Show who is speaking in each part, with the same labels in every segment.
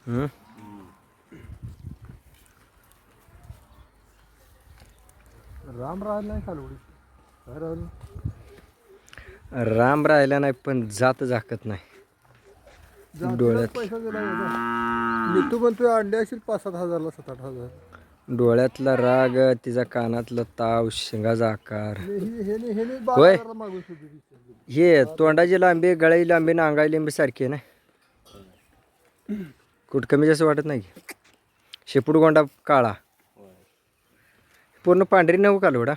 Speaker 1: हम्म.
Speaker 2: राम राहिला नाही कालवडी काय राहिलं
Speaker 1: राम राहिला नाही पण जात झाकत नाही
Speaker 2: जातीलाच
Speaker 1: डोळ्यात
Speaker 2: पैसा दिला मिठू म्हणतोय अंडे असतील 5-7 हजारला 7-8 हजार
Speaker 1: डोळ्यातला राग तिचा कानातला ताव शिंगाचा आकार
Speaker 2: हे 12
Speaker 1: होय
Speaker 2: हजारला मागून सुद्धा
Speaker 1: हे तोंडाची लांबी गळाई लांबी ना अंगाई लांबी सारखी आहे ना कुठं कमी जास्त वाटत नाही की शेपूट गोंडा काळा पूर्ण पांढरी नऊ कालवडा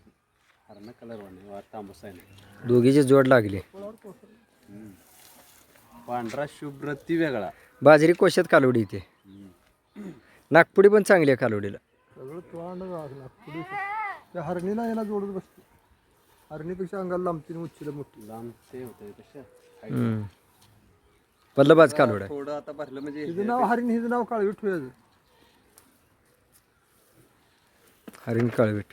Speaker 1: दोघीची जोड लागली
Speaker 3: पांढरा शुभ्र ती वेगळा
Speaker 1: बाजरी कोशात कालवडी इथे नागपुडी पण चांगली आहे कालवडीला
Speaker 2: सगळं तोंड लागला पुढे त्या हरणीला याला जोडत बसते हरणीपेक्षा अंगाला लांबती उच्चीला मोठी
Speaker 3: लांब ते होते तशा
Speaker 1: पल्लबाज कालवड आहे
Speaker 3: थोडं आता भरलं म्हणजे
Speaker 2: हिचं नाव हरिण हिचं नाव काळवी ठेवायचं
Speaker 1: हरिण काळवीट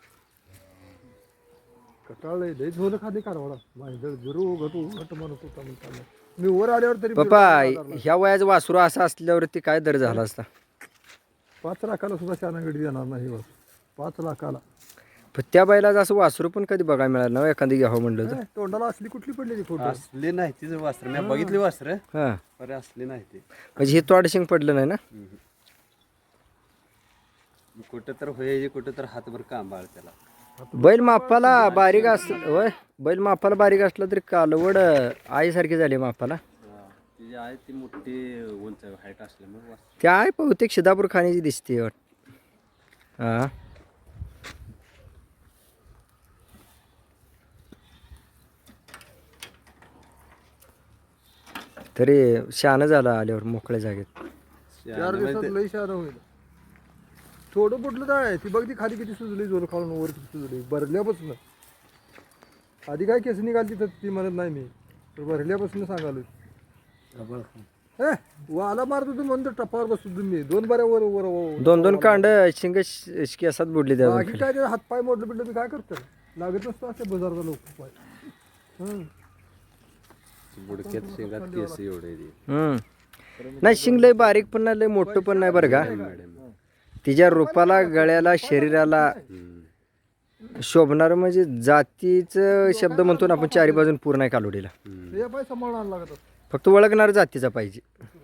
Speaker 2: कटाळलंय लय झोलं खाली कारवाडा माझ्या जरू घटू घट म्हणत होता म्हणताना मी वर आल्यावर तरी
Speaker 1: पप्पा ह्या वयाचं वासरू असं असल्यावरती काय दर झाला असता
Speaker 2: 5 लाखाला सुद्धा शानागडी देणार नाही बस 5 लाखाला
Speaker 1: पण त्या बैलाचं असं वासरू पण कधी बघायला मिळालं ना एखादी घ्यावं म्हणलं तर
Speaker 2: तोंडाला असली कुठली पडलेली फोटो
Speaker 3: असले नाही तिचं वस्त्र मी बघितली वस्त्र
Speaker 1: हां
Speaker 3: अरे असले नाही ते
Speaker 1: म्हणजे हे तोडशिंग पडलं नाही ना
Speaker 3: कुठं तर होय कुठं तर हातभर कांबाळ त्याला
Speaker 1: बैल मापाला बारीक असलं होय बैल मापाला बारीक असलं तरी कालवड आईसारखी झाली मापाला
Speaker 3: तिची आहे ती मोठी उंच हाईट असल्यामुळे
Speaker 1: त्या आहे बहुतेक शिदापूर खाण्याची दिसते हां तरी शहाणं झालं आल्यावर मोकळ्या जागेत
Speaker 2: 4 दिवसात लई शहाणा होईल थोडं कुठलं काय ती बघ ती खाली किती सुजली जोर खाऊन वर किती सुजली भरल्यापासून आधी काय केस निघाली तर ती म्हणत नाही मी तर भरल्यापासून सांगालो वाला मारत होतो म्हणतो टप्पावर बसतो तुम्ही 2 बऱ्या वर वर
Speaker 1: दोन कांड शिंग केसात बुडली त्या
Speaker 2: बाकी काय ते हातपाय मोडलं बिडलं मी काय करतो लागत नसतो असे बाजारचा लोक पाय
Speaker 3: बुडक्यात शेंगात केस एवढे
Speaker 1: नाही शिंग लय बारीक पण नाही लय मोठं पण नाही बरं का तिच्या रूपाला गळ्याला शरीराला शोभणार म्हणजे जातीचं शब्द म्हणतो ना आपण 4 बाजून पूर्ण आहे कालोडीला
Speaker 2: हे पाय सांभाळून आणायला लागत
Speaker 1: फक्त ओळखणार जातीचा पाहिजे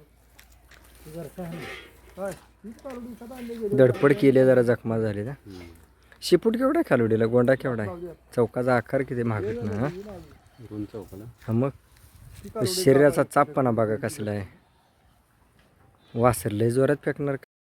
Speaker 2: काय हीच कालवडी दिवसात आणली गेली
Speaker 1: धडपड केली जरा जखमा झाली ना शिपूट केवढा आहे कालोडीला गोंडा केवढा आहे चौकाचा आकार किती महागत ना हा?
Speaker 3: रुंद चौकाला
Speaker 1: हा मग शरीराचा चापपणा बघा कसला आहे वासर लय जोरात फेकणार